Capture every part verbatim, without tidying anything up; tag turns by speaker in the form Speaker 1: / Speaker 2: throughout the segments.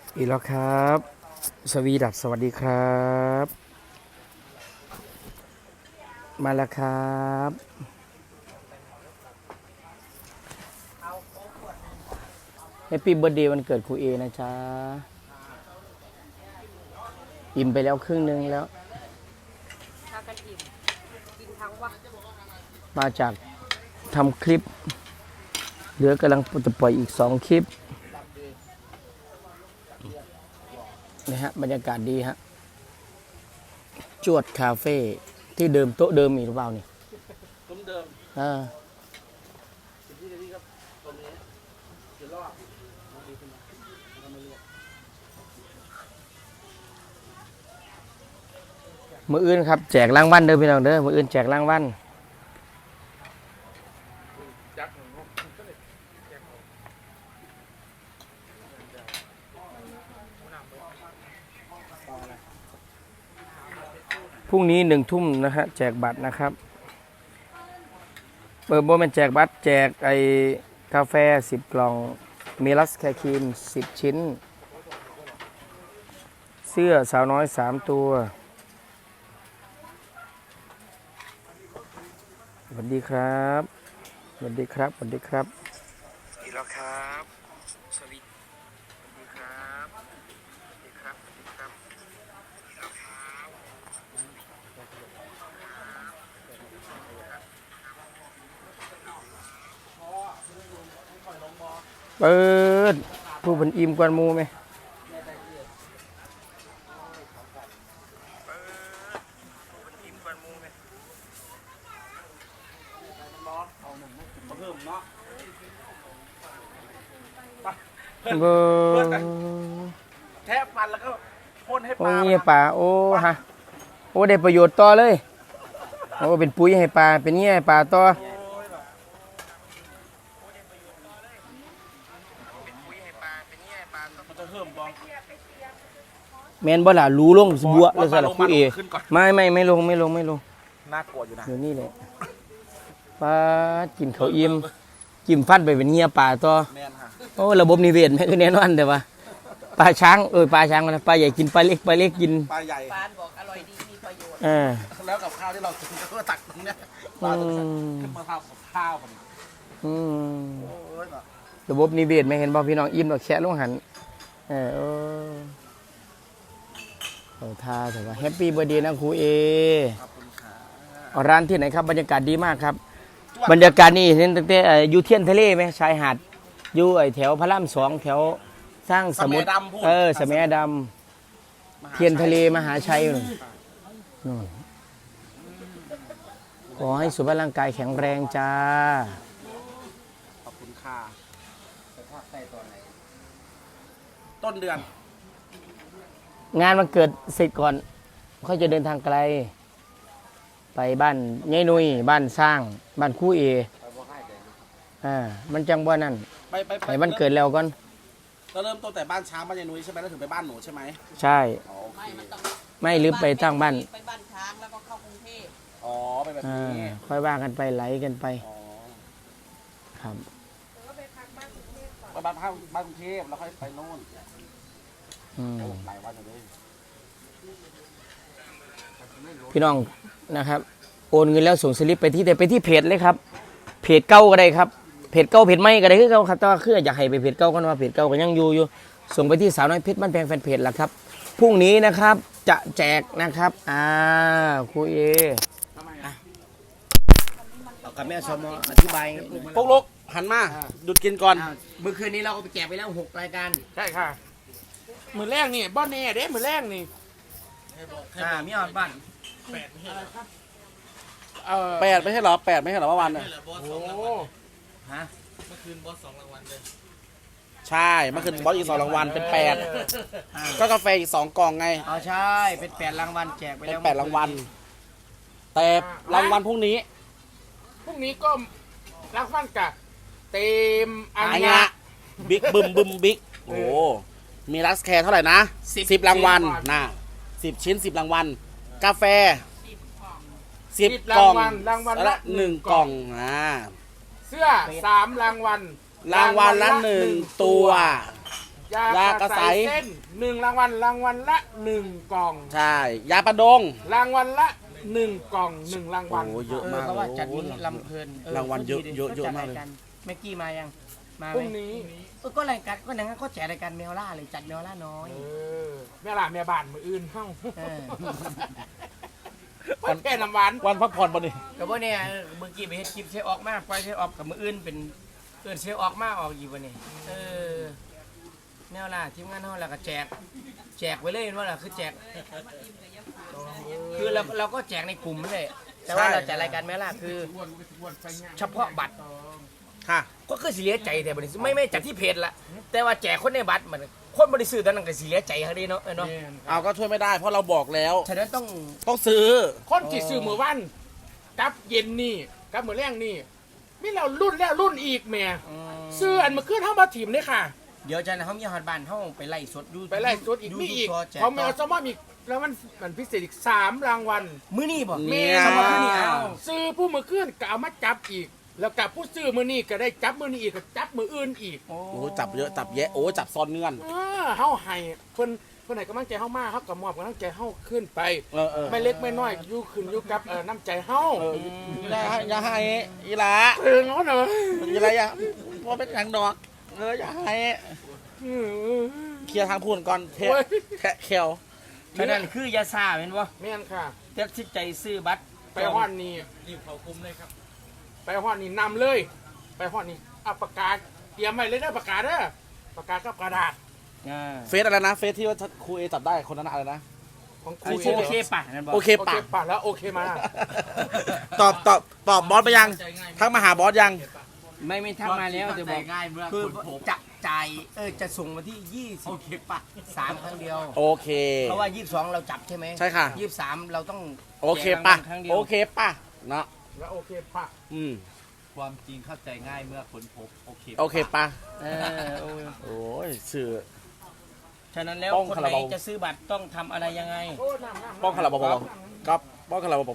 Speaker 1: อีกแล้วครับสวีดัสสวัสดีครับมาแล้วครับแฮปปี้เบิร์ดเดย์วันเกิดครูเอนะจ๊ะอิ่มไปแล้วครึ่งนึงแล้ว
Speaker 2: พากันอิ่มกินทั้งวัน
Speaker 1: มาจากทำคลิปเหลือกำลังจะปล่อยอีกสองคลิปนะฮะบรรยากาศดีฮะจวดคาเฟ่ที่เดิมโต๊ะเดิมมีหรือเปล่านี่
Speaker 3: ต้มเดิม
Speaker 1: อ่า
Speaker 3: ที่นี่ครับตรงนี้เดี๋ยวรอบมาดีขึ้นมาทำมาเรีย
Speaker 1: มืออื่นครับแจกรางวัลเด้อพี่น้องเด้อมืออื่นแจกรางวัลพรุ่งนี้หนึ่งทุ่มนะฮะแจกบัตรนะครับเปิดโบมันแจกบัตรแจกไอกาแฟสิบกล่องมีลัสแคคีนสิบชิ้นเสื้อสาวน้อยสามตัวสวัสดีครับสวัสดีครับสวัสดีครับอีกแล้วครับสวัสดีสวัสดีครับสวัสดีครับสวัสดีครับอีกแล้วครับเปิดผู้เป็นอิ่มกวนมูไหม
Speaker 3: เพิ่มเนาะ
Speaker 1: เบอร์
Speaker 3: แทะฟันแล้วก็พ่นให้ป
Speaker 1: โอ้
Speaker 3: ลา
Speaker 1: ยป่าโอ้ฮะโอ้ได้ประโยชน์ต่อเลยโอ้เป็นปุ๋ยให้ปลาเป็นเงี้ยให้ปลาต่อ
Speaker 3: มันจะเพิ่มบอง
Speaker 1: แมนบ่ล่ะรู้ลงสบัวแล้วสลับคู่เอไม่ไม่ไม่ลงไม่ลงไม่ลง
Speaker 3: น่ากลัวอยู่นะ
Speaker 1: อยู่นี่แหละปลากินเขาอิ่มจิ้มฟันไปเป็นเงี้ยปลาต่อ
Speaker 3: แมนค่ะ
Speaker 1: โอ้ระบบนิเวศแม่คือแน่นอนแต่ว่าปลาช้างเออปลาช้างนะปลาใหญ่กินปลาเล็กปลาเล็กกิน
Speaker 3: ปลาใหญ่
Speaker 2: ปานบอกอร่อยดีมีประโยชน์
Speaker 1: เออ
Speaker 3: แล้วกับข้าวที่เรากินก็ตักตรงเนี้ยปลาตัวนี้ขึ้นมาทำกับข้าวมัน
Speaker 1: อืม
Speaker 3: โอ้ยแบบ
Speaker 1: ระบบนิเวศไม่เห็นบ่พี่น้องอิ่มดอกแคะลงหันเออโอ้เอาท่าแต่ว่าแฮปปี้เบอร์เดย์นะครูเอ
Speaker 3: ขอบคุณค่ะ
Speaker 1: เอาร้านที่ไหนครับบรรยากาศดีมากครับบรรยากาศนี่เห็นตั้งแต่เอ่ออยู่เทียนทะเลไหมชายหาดอยู่ไอ้แถวพระรามสองแถวสร้างสมุทรเออสมัยดำเทียนทะเลมหาชัยนู่นนู่นขอให้สุขภาพร่างกายแข็งแรงจ้า
Speaker 3: ขอบคุณค่ะต้นเดือน
Speaker 1: งานมันเกิดเสร็จก่อนเขาจะเดินทางไกล ไปบ้านยายนุยบ้านสร้างบ้านคู่เออ่ามันจังบ่นั่น
Speaker 3: ไปไป
Speaker 1: ไปวันเกิดแล้วก่อน
Speaker 3: เราเริ่มต้นแต่บ้านช้างบ้านยายนุ้ยใช่ไหมแล้วถึงไปบ้านหนูใช่ไหม
Speaker 1: ใช่
Speaker 3: อ๋อโอเค
Speaker 2: ไม่มันต้อง
Speaker 1: ไม่ลืมไปตั้งบ้าน
Speaker 2: ไปบ้านช้างแล้วก็เข้ากรุงเทพ
Speaker 3: อ๋อไปแบบ
Speaker 1: อ่า
Speaker 3: นี้
Speaker 1: ค่อยว่ากันไปไหลกันไป
Speaker 3: อ๋อ
Speaker 1: ครับ
Speaker 3: ไปบ้านพักบ้านกรุงเทพแล้วค่อยไปโน่น
Speaker 1: อืม
Speaker 3: โอ้หลายวันอยู่เลย
Speaker 1: พี่น้องนะครับโอนเงินแล้วส่งสลิปไปที่แต่ไปที่เพจเลยครับเพจเก่าก็ได้ครับเพจเก่าเพจใหม่ก็ได้คือเก่าครับแต่ว่าคืออยากให้ไปเพจเก่ากันว่าเพจเก่าก็ยังอยู่อยู่ส่งไปที่สาวน้อยเพชรบ้านแพงแฟนเพจละครับพรุ่งนี้นะครับจะแจกนะครับอ่าครูเอเอากับแม่สมอธิบาย
Speaker 3: พวกลูกหันมาหยุดกินก่อน
Speaker 1: เมื่อคืนนี้เราก็ไปแจกไปแล้วหกรายการ
Speaker 3: ใช่ค่ะมือแรกนี่บ้านนี่เด้มือแรกนี่
Speaker 1: อ่ามีออดบ้าน
Speaker 3: แปดไม่ใช่เหรอแปดไม่ใช่เหรอเมื่อวานเนี่ย
Speaker 1: โอ้ฮะ
Speaker 3: ใช่เมื่อคืนบอสอีกสองรางวัลเป็นแปดก็กาแฟอีกสองกล่องไง
Speaker 1: อ๋อใช่เป็นแปดรางวัลแจกไป
Speaker 3: เป็น
Speaker 1: แล้ว
Speaker 3: แปดรางวัลแต่รางวัลพรุ่งนี้
Speaker 4: พรุ่งนี้ก็รักฟันกับเต็มอัน
Speaker 3: อัน
Speaker 4: เนี้
Speaker 3: เนี้
Speaker 4: ย
Speaker 3: ยบิ๊กบึมบึมบิ๊กโอ้มีลักแคร์เท่าไหร่นะสิบรางวัลน่ะสิบชิ้นสิบรางวัลกาแฟสิบกล่อง
Speaker 4: รางวัล
Speaker 3: ละ
Speaker 4: ละ
Speaker 3: หนึ่งกล่องอ่า
Speaker 4: เสื้อสามรางวัล
Speaker 3: รางวัลละหนึ่งตัว
Speaker 4: ยายากระใสเส้นหนึ่งรางวัลรางวัลละหนึ่งกล่อง
Speaker 3: ใช่ ยาปะดง
Speaker 4: รางวัลละหนึ่งกล่องหนึ่งรางวัล
Speaker 3: โอ้เยอะ
Speaker 1: เออ
Speaker 3: มาก
Speaker 1: เพราะว่าจัด
Speaker 3: โอ้
Speaker 1: นี้ลำเพลิน
Speaker 3: รางวัลเยอะเยอะเยอะมากเลย
Speaker 1: แม็กกี้มายังมา
Speaker 4: พ
Speaker 1: ไหม
Speaker 4: รุ่งนี้
Speaker 1: เออก็รายการก็นั่นก็แจกรายการเมลล่าเลยจัดเมลล่าน้อย
Speaker 4: เออแม่ล่ะแม่บ้านมืออื่นเฮ้า
Speaker 1: เออ
Speaker 4: วันแก่น้ำหวาน
Speaker 3: วันพักผ่อนปะนี่
Speaker 1: ก็บ่เนี่ยเออเมื่อกี้ไปเฮ็ดคลิปเชฟออกมาปล่อยเชฟออกกับมืออื่นเป็นเอิ้นเชฟออกมาออกอีกบ่นี่เออแนวล่ะทีมงานเฮาแล้วก็แจกแจกไว้เลยว่าล่ะคือแจกคือเราเราก็แจกในกลุ่มนั่นแหละแต่ว่าเราจัดรายการเมลล่าคือ เฉพาะบัตร
Speaker 3: ค่ะ
Speaker 1: ก็คือสิเหลียใจแต่บัดนี้ไม่ไม่จากที่เพจละแต่ว่าแจกคนในบัตรมันคนบริสุทธิ์ตอนนั้นก็สิเหลียใจเขาดีเนาะเออเนาะ
Speaker 3: เอาก็ช่วยไม่ได้เพราะเราบอกแล้ว
Speaker 1: ฉะนั้นต้อง
Speaker 3: ต้องซื้อ
Speaker 4: คนที่ซื้อมือวันกับเย็นนี่กับมือแรงนี่ไม่เรารุ่นแล้วรุ่นอีกแม่ซื้ออันมาขึ้นเท่ามาถิ่มเลยค่ะ
Speaker 1: เดี๋ยวจะนะเขามีฮอดบ้านเขาไปไล่สดอยู่
Speaker 4: ไปไล่สดอีกมีอีก
Speaker 1: ยู่แจก
Speaker 4: เพราะแมวซอมอีกแล้วมันมันพิเศษอีกสามรางวัล
Speaker 1: มื้อนี้บ่
Speaker 3: เนี่ย
Speaker 1: สมมุติมื้อนี้เอา
Speaker 4: ซื้อผู้มือขึ้นก็เอามาจับอีก แล้วกับผู้ซื้อมือนี่ก็ได้จับมือนี่อีกก็จับมืออื่นอีก
Speaker 1: โอ้
Speaker 3: โอ้จับเยอะจับแยะโอ้จับซ้อนเงื่อน
Speaker 4: เออเฮาให้เพิ่นเพิ่นให้กำลังใจเฮามากเฮาก็มอบกำลังใจเฮาขึ้นไป
Speaker 3: เออเออ
Speaker 4: ไม่เล็กไม่น้อยอยู่ขึ้นอยู่กับเอ่อน้ำใจเฮา
Speaker 3: เอออย่าให้อย่าให้อีหลา
Speaker 4: เออเนาะเนาะ
Speaker 3: อีหลาอย่าพอเป็นหยังดอกเอออย่าให้เคลียร์ทางพูนก่อนเทะแทะเขียว
Speaker 1: ฉะนั้นคือยาซาแม่นบ่
Speaker 4: แม่นค่ะ
Speaker 1: ตัดสินใจซื้อบัตร
Speaker 4: ไปฮ้อนนี่รีบเข้าคุมเลยครับ ไปฮ้อนนี่นำเลย ไปฮ้อนนี่เอาปากกาเตรียมไว้เลยเด้อปากกาเด้อปากกากับกระดาษ
Speaker 1: อ่า
Speaker 3: เฟซอะไรนะเฟซที่ว่าครูเอจับได้คนนั้นอะไรนะ
Speaker 4: ของค
Speaker 1: โอ
Speaker 4: รู
Speaker 1: เคโอเคป่ะนั่นบ่
Speaker 3: โอเค
Speaker 4: โอ
Speaker 3: ปะ
Speaker 4: เคป่ะแล้วโอเคมา
Speaker 3: ตอบตอบตอบบอสไปยังทักมาหาบอสยัง
Speaker 1: ไม่ไม่ทักมาแล้วแต่บอกง่ายเมื่อคือจะจ่ายเออจะส่งมาที่ยี่สิบโอเคป่ะสามครั้งเดียว
Speaker 3: โอเค
Speaker 1: เพราะว่ายี่สิบสองเราจับใช่ไหม
Speaker 3: ใช่ค่ะ
Speaker 1: ยี่สิบสามเราต้อง
Speaker 3: โอเค
Speaker 1: แจก
Speaker 3: ป่ะ
Speaker 1: รางวัลครั้งเดียว
Speaker 3: โอเคป่ะเนาะ
Speaker 4: แล้วโอเคป่ะ
Speaker 3: อืม
Speaker 5: ความจริงเข้าใจง่ายเมื่อค้นพบโอเค
Speaker 3: โอเคป่ะ
Speaker 1: เออโอ้ย
Speaker 3: โอ้ยสื่อ
Speaker 1: ฉะนั้นแล้ว
Speaker 3: ป้อง
Speaker 1: คน
Speaker 3: คา
Speaker 1: ไหน
Speaker 3: ราบาว
Speaker 1: จะซื้อบัตรต้องทำอะไรยังไง
Speaker 4: โอ้น้ำน้ำ
Speaker 3: ป้องคาราบาวก็ป้องคาราบาว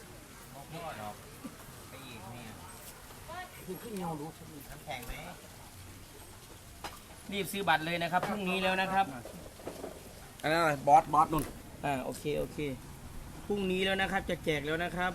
Speaker 4: ขึ้นเงาดู
Speaker 1: รีบซื้อบัตรเลยนะครับพรุ่งนี้แล้วนะครับ
Speaker 3: อันนั้นอะไรบอสบอสนุ่น
Speaker 1: อ่าโอเคโอเคพรุ่งนี้แล้วนะครับจะแจกแล้วนะครับ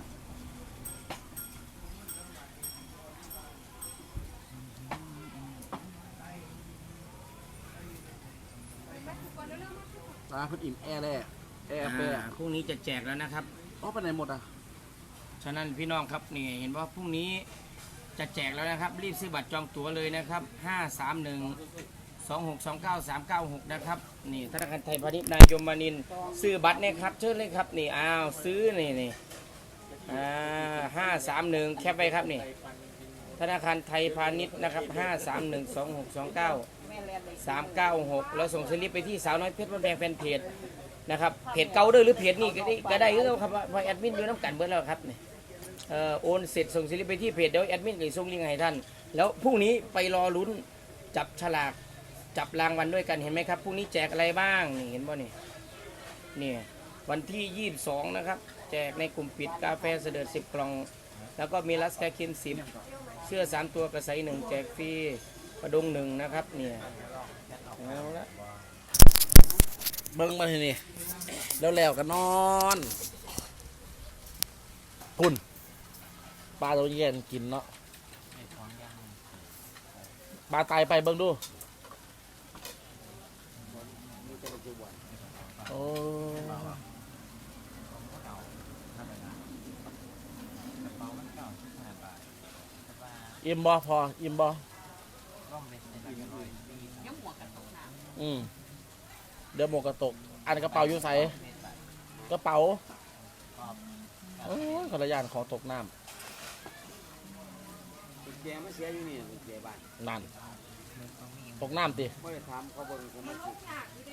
Speaker 3: ร้านพุทธอิ่มแอร์แร่แอร์แปร
Speaker 1: อ่าพรุ่งนี้จะแจกแล้วนะครับ
Speaker 3: อ๋อไปไหนหมดอ่ะ
Speaker 1: ฉะนั้นพี่น้องครับนี่เห็นว่าพรุ่งนี้จะแจกแล้วนะครับ รีบซื้อบัตรจองตั๋วเลยนะครับห้าสามหนึ่ง สองหกสองเก้า สามเก้าหกนะครับนี่ธนาคารไทยพาณิชย์นายยมมานินทร์ซื้อบัตรเนี่ยครับเชิญเลยครับนี่อ้าวซื้อนี่นี่อ่าห้าสามหนึ่งแคปไว้ครับนี่ธนาคารไทยพาณิชย์นะครับห้าสามหนึ่ง สองหกสองเก้า สามเก้าหกแล้วส่งสลิปไปที่สาวน้อยเพชรบ้านแพงแฟนเพจนะครับเพจเก่าเด้อหรือเพจนี่ก็ได้ก็ได้ก็ครับว่าแอดมินอยู่น้ำกันเบิดแล้วครับนี่เอ่อโอนเสร็จส่งสลิปไปที่เพจเดี๋ยวแอดมินจะส่งลิงก์ให้ท่านแล้วพรุ่งนี้ไปรอลุ้นจับฉลากจับรางวัลด้วยกันเห็นไหมครับพรุ่งนี้แจกอะไรบ้างนี่เห็นป่ะนี่นี่วันที่ยี่สิบสองนะครับแจกในกลุ่มปิดกาแฟเสด็จสิบกล่องแล้วก็มีลัสแคคินสิบเสื้อสามตัวกระใสหนึ่งแจกฟรีกระดงหนึ่งนะครับเนี่ยเอาละ
Speaker 3: เบิ้งมาทีนี่แล้วแล้วกันนอนพุ่นปลาตัวเย็นกินเนาะปลาตายไปเบิ้งดูโอ้อิ่มบ่พออิ่มบ่อืมเดี๋ยวหมวกกระตก อันกระเป๋าอยู่ใส่กระเป๋าโอ้ยขอระยานของตกน้
Speaker 5: แกไม่เสียอยู่นี่แกบ้าน
Speaker 3: ำนั่นตกน้ำติ
Speaker 5: ไม่ได้ถามเขาเบิ่งเขาไม่ติด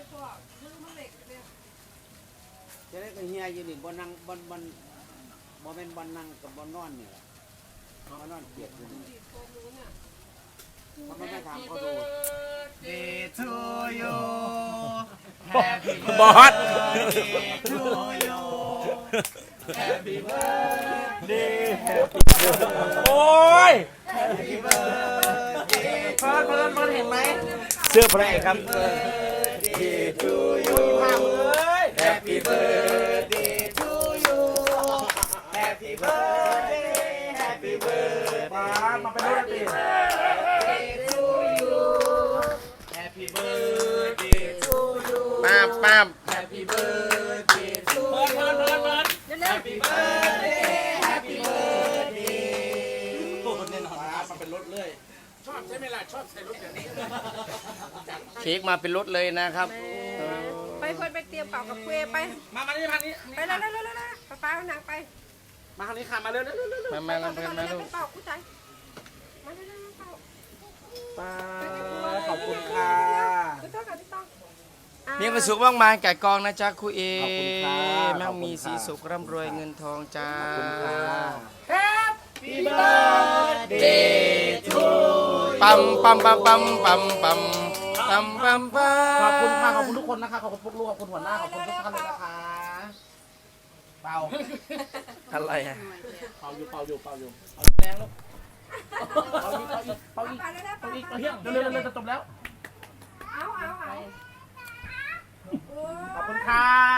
Speaker 5: จะได้ก็เฮียอยู่นี่บ่นั่งบ่บ่บ่เป็นบ่นั่งกับบ่นอนนี่แหละบ่นอนเกียดอยู่นี่เขาไม่ได้ถามเขาดู
Speaker 1: Day to you
Speaker 3: บอส
Speaker 1: to you
Speaker 3: Happy birthday Happy birthday โอ้ย
Speaker 1: Happy birthday
Speaker 3: เฟิร์นเฟิร์นเฟิร์นเห็นไหม
Speaker 1: เสื้อพระเอกครับ
Speaker 3: พามือเอ้ย
Speaker 5: Happy birthday to you Happy birthday Happy birthday
Speaker 3: มามาเป็นรูปตี
Speaker 5: Happy birthday to you
Speaker 1: ป้าบป้าบ
Speaker 5: Happy birthday to you Happy birthday Happy birthday แน่นอนมาเป็นรถเลย
Speaker 4: ชอบใช่ไหมล่ะชอบใส่รถอย่างนี้
Speaker 1: เค้กมาเป็นรถเลยนะครับ
Speaker 2: ไปเพื่อนไปเตรียมเป่ากับคุยไป
Speaker 3: มามานี่ทางนี้
Speaker 2: ไปแล้วแล้วแล้วแล้วป้าป้าเอาหนังไป
Speaker 3: มาทางนี้ค่ะมาเร็วเร็วเร็วเร็ว
Speaker 1: มามากันไปกันมาลูก
Speaker 2: เป่ากู้ใจมาเร็วๆเป่า
Speaker 3: ป้าขอบคุณค่ะ
Speaker 2: พี่ต้องกับพี่ต้อง
Speaker 1: มีความสุขมากมายแก่กองนะจ๊ะครูเอ
Speaker 3: ขอบคุณค่ะ
Speaker 1: แม่งมีสีสุขร่ำรวยเงินทองจ้า
Speaker 3: ขอบคุณค่ะ
Speaker 5: Happy birthday to
Speaker 1: ปั๊มปั๊มปั๊มปั๊มปั๊มปั๊มปั๊มปั๊มปั๊ม
Speaker 3: ขอบคุณค่ะขอบคุณทุกคนนะคะขอบคุณปุ๊กลูกขอบคุณหัวหน้าขอบคุณทุกท่านเลยนะคะเป่า
Speaker 1: อะไรอะ
Speaker 3: เป่าอยู่เป่าอยู่เป่าอยู่เอาแรงลูกเป่าอีกเป่าอีกเป่าอีก
Speaker 2: ไปแล้วนะ
Speaker 3: เป่าอีกเป่าเฮียเร็วเร็วเร็วจะจบแล้ว
Speaker 2: เอาเอาเอา
Speaker 3: ขอบคุณค่ะ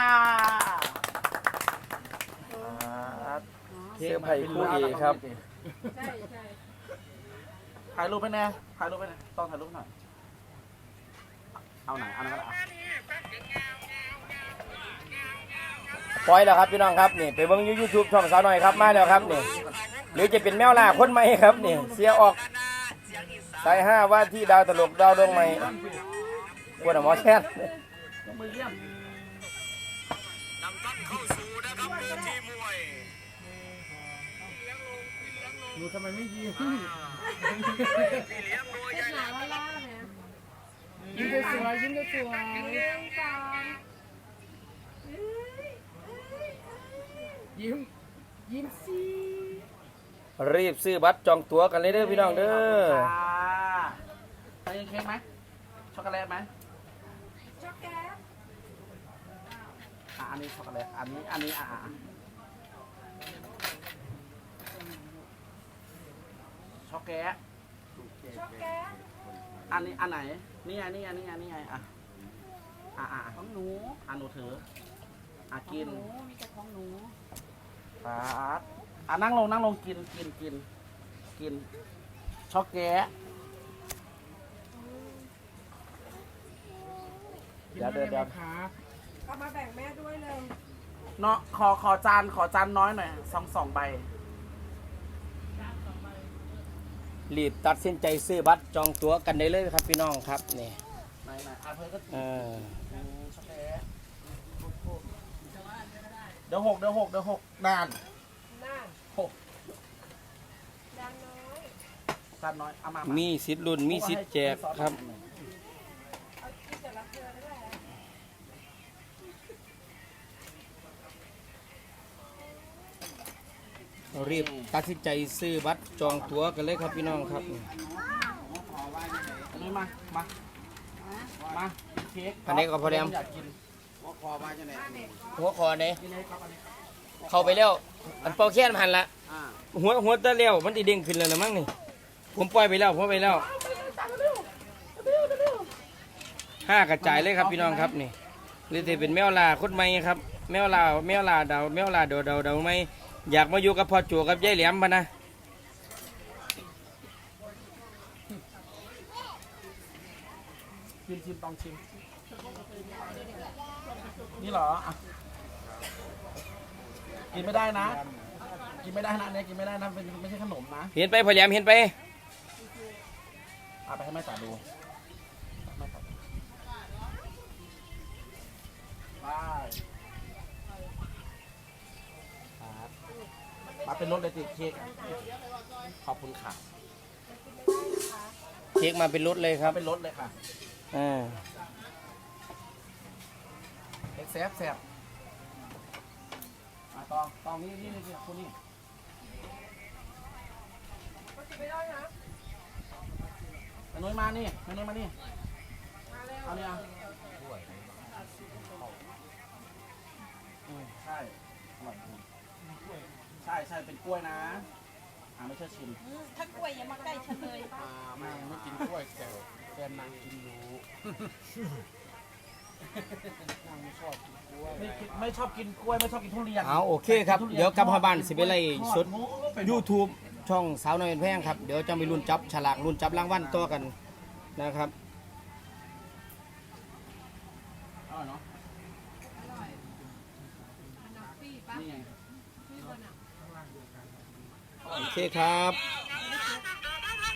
Speaker 1: เสื้อไผ่ครูเอครับ
Speaker 2: ใช่ใช่
Speaker 3: ถ่ายรูปไปแน่ถ่ายรูปไปแน่ต้องถ่ายรูปหน่อยเอาไหนเอาไหนก็ได้อ่ะ
Speaker 1: ปล่อยแล้วครับพี่น้องครับนี่ไปเบิ่งยูทูบช่องสาวหน่อยครับมาแล้วครับนี่หรือจะเป็นแมวล่าคนใหม่ครับนี่เสียออกสายห้าว่าที่ดาวตลกดาวดวงใหม่กวนหมอแช่น
Speaker 3: ยกมือเยี่ยม
Speaker 4: หนูทำไมไม่ยิ้ม
Speaker 2: เป็นหนาว่าล่าเนี่ย
Speaker 4: ยิ้มสวยๆยิ้มสวย
Speaker 2: หนึ่งสอง
Speaker 4: ๆยิ้มยิ้มสิ
Speaker 1: รีบซื้อบัตรจองตั๋วกันเลยเด้อพี่น้องเด้อ
Speaker 3: ใส่เค้กไหมช็อกโกแลตไหม
Speaker 2: ช็อกแกะ
Speaker 3: อ่ะอันนี้ช็อกโกแลตอันนี้อันนี้อ่ะอ่ะอ่ะช็อกแกะ
Speaker 2: ช็อกแกะ
Speaker 3: อันนี้อันไหนนี่ไงนี่ไงนี่ไงนี่ไงอ่ะอ่ะอ่ะของหนูอ่ะหนูถืออ่ะกิน
Speaker 2: หนูมีแต่ของหนู
Speaker 3: ปาดอ่ะนั่งลงนั่งลงกินกินกินกินช็อกแกะ เดี๋ยวเดี๋ยวเดี๋ยว
Speaker 2: เอามาแบ่งแม่ด้วยเลย
Speaker 3: เนาะขอขอจานขอจานน้อยหน่อยสองสองใบ
Speaker 1: รีบตัดสินใจซื้อบัตรจองตั๋วกันได้เลยครับพี่น้องครับนี่
Speaker 3: ไหนไหนอ่ะเพื่อนก็
Speaker 1: เออ
Speaker 3: อืมช็อกโกแลตเดี๋ยวหกเดี๋ยวหกเดี๋ยวหกนาน
Speaker 2: น่า
Speaker 3: หก
Speaker 2: ดังน้อย
Speaker 3: จานน้อยเอามา
Speaker 1: มีสิทธิ์ลุ้นมีสิทธิ์แจกครับ
Speaker 2: เอากินแต่ละเกลือได้ไหม
Speaker 1: รีบตัดสินใจซื้อบัตรจองตั๋วกันเลยครับพี่น้องครับ
Speaker 3: อันนี้มามามาเค้ก
Speaker 1: อันนี้ก็พอแล้ว
Speaker 3: อยากกิน
Speaker 5: ว่าคอมาจะไหน
Speaker 1: หัวคอเนี่ย
Speaker 3: กินเลยครับอันนี้
Speaker 1: เข้าไปแล้ว อันเป่าแค้นมันหันละ
Speaker 3: อ่า
Speaker 1: หัวหัวตะเลี้ยวมันติเด้งขึ้นแล้วนะมั้งนี่ผมปล่อยไปแล้วผมไปแล้วห้ากระจายเลยครับพี่น้องครับนี่หรือจะเป็นแมวลาคนใหม่ครับ แมวลาแมวลาดาวแมวลาดาวดาวดาวไม่อยากมาอยู่กับพ่อจูกับยายแหลมปะนะ
Speaker 3: ชิมชิมต้องชิมนี่เหรออ่ะกินไม่ได้นะ กินไม่ได้นะอันเนี้ยกินไม่ได้นะเป็นไม่ใช่ขนมนะ
Speaker 1: เห็นไปพ่อแหลมเห็นไป
Speaker 3: เอาไปให้แม่จ๋าดูแม่จ๋าดูไปครับมาเป็นรถเลยติเค้กขอบคุณค่ะ
Speaker 1: เค้กมาเป็นรถเลยค
Speaker 3: ครั
Speaker 1: รั
Speaker 3: บบ เป็นรถเลยค่ะ
Speaker 1: อ่า
Speaker 3: เอ็กแซฟแซฟมาตองตองนี่นี่นี่คุณนี่
Speaker 2: ก็กินไม่ได้นะ
Speaker 3: แม่นุ้ยมานี่แม่นุ้ยมานี่
Speaker 2: มาเร็ว
Speaker 3: เอาเนี่ยอืมใช่อร่อยจริงใช่ใช่เป็นกล้วยนะ อางไม่ชอบชิม
Speaker 2: ถ้ากล้วยอย่ามาใกล้ฉันเลย
Speaker 4: อ่าไม่ไม่กินกล้วยแต่แฟนนางกินอยู่นางไม่ชอบกินกล้วย
Speaker 3: ไม่กินไม่ชอบกินกล้วยไม่ชอบกินทุเรียน
Speaker 1: เอาโอเคครับเดี๋ยวกลับพบ้านสิไปไล่สด
Speaker 3: ทอโอ้ไปหมด
Speaker 1: YouTube ช่องสาวน้อยเป็นแพงครับเดี๋ยวจะมีรุ่นจับฉลากรุ่นจับรางวัลตัวกันนะครับ
Speaker 3: อร่อยเนาะนี่ไง
Speaker 1: โอเคครับ